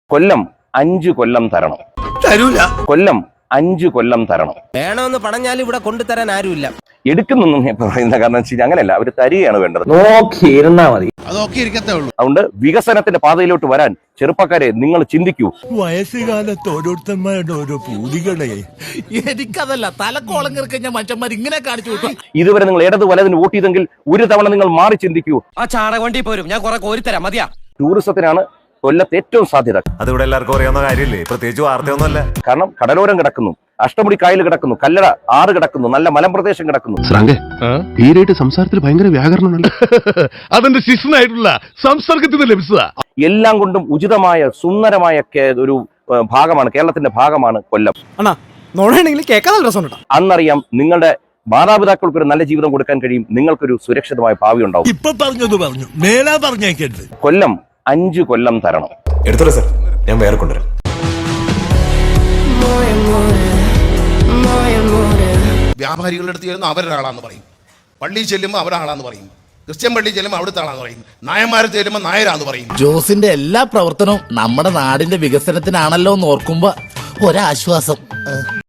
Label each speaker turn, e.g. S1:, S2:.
S1: കൊല്ലം 5 കൊല്ലം തരണം.
S2: തരൂല.
S1: കൊല്ലം 5 കൊല്ലം തരണം.
S3: വേണമെന്ന് പറഞ്ഞാൽ ഇവിടെ കൊണ്ടുതരാൻ ആരുമില്ല.
S1: എടുക്കുന്നൊന്നും ഞാൻ പറയുന്ന കാരണം വെച്ചാൽ അങ്ങനെയല്ല, അവർ തരികയാണ് വേണ്ടത്.
S4: നോക്കിയിരുന്നാ മതി.
S2: അതൊക്കെ ഇരിക്കത്തേ ഉള്ളൂ.
S1: അതുകൊണ്ട് വികസനത്തിന്റെ പാതയിലോട്ട് വരാൻ ചെറുപ്പക്കാരെ നിങ്ങൾ ചിന്തിക്കൂ.
S2: വയസ്സുകാലത്ത് ഓരോരുത്തന്മാരുടെ ഓരോ പൂതികളെ
S5: എനിക്കതല്ല തലക്കോളം കിറക്കഞ്ഞ മനുഷ്യന്മാർ ഇങ്ങനെ കാണിച്ചു വിട്ടു.
S1: ഇതുവരെ നിങ്ങൾ ഇടത് വലതിന് വോട്ട് ചെയ്തെങ്കിൽ ഒരു തവണ നിങ്ങൾ മാറി ചിന്തിക്കൂ.
S3: ആ ചാണകവണ്ടി പോരും, ഞാൻ കുറെ കോരിത്തരാം, മതിയാ.
S1: ടൂറിസത്തിനാണ് കൊല്ലത്ത് ഏറ്റവും സാധ്യത.
S6: അതിവിടെ എല്ലാവർക്കും അറിയാവുന്ന കാര്യമില്ലേ, പ്രത്യേകിച്ച് വാർത്തയൊന്നുമല്ല.
S1: കാരണം കടലോരം കിടക്കുന്നു, അഷ്ടമുടി കായൽ കിടക്കുന്നു, കല്ലട ആറ് കിടക്കുന്നു, നല്ല മലമ്പ്രദേശം കിടക്കുന്നു.
S7: തീരായിട്ട് സംസാരത്തിൽ ഭയങ്കര വ്യാകരണമുണ്ടല്ലോ. അതെന്റെ ശിഷ്യനായിട്ടുള്ള സംസർഗത്തിൽ നിന്ന് ലഭിച്ചതാ.
S1: എല്ലാം കൊണ്ടും ഉചിതമായ സുന്ദരമായ ഒരു ഭാഗമാണ്, കേരളത്തിന്റെ ഭാഗമാണ് കൊല്ലം. അന്നറിയാം നിങ്ങളുടെ മാതാപിതാക്കൾക്ക് ഒരു നല്ല ജീവിതം കൊടുക്കാൻ കഴിയും, നിങ്ങൾക്കൊരു സുരക്ഷിതമായ ഭാവി ഉണ്ടാവും.
S2: ഇപ്പൊ പറഞ്ഞത് പറഞ്ഞു, മേലാ പറഞ്ഞേക്കരുത്.
S1: കൊല്ലം 5 കൊല്ലം തരണം.
S6: എടുത്തോളൂ സാർ, ഞാൻ വേറെ കൊണ്ടുവരാം.
S8: വ്യാപാരികളുടെ അടുത്ത് ചെല്ലുമ്പോൾ അവരൊരാളാന്ന് പറയും, പള്ളിയിൽ ചെല്ലുമ്പോൾ അവരാളാന്ന് പറയും, ക്രിസ്ത്യൻ പള്ളിയിൽ ചെല്ലുമ്പോൾ അവിടുത്തെ ആളാന്ന് പറയും, നായന്മാരെ ചെല്ലുമ്പോൾ നായരാന്ന് പറയും.
S5: ജോസിന്റെ എല്ലാ പ്രവർത്തനവും നമ്മുടെ നാടിന്റെ വികസനത്തിനാണല്ലോ എന്ന് ഓർക്കുമ്പോ ഒരാശ്വാസം.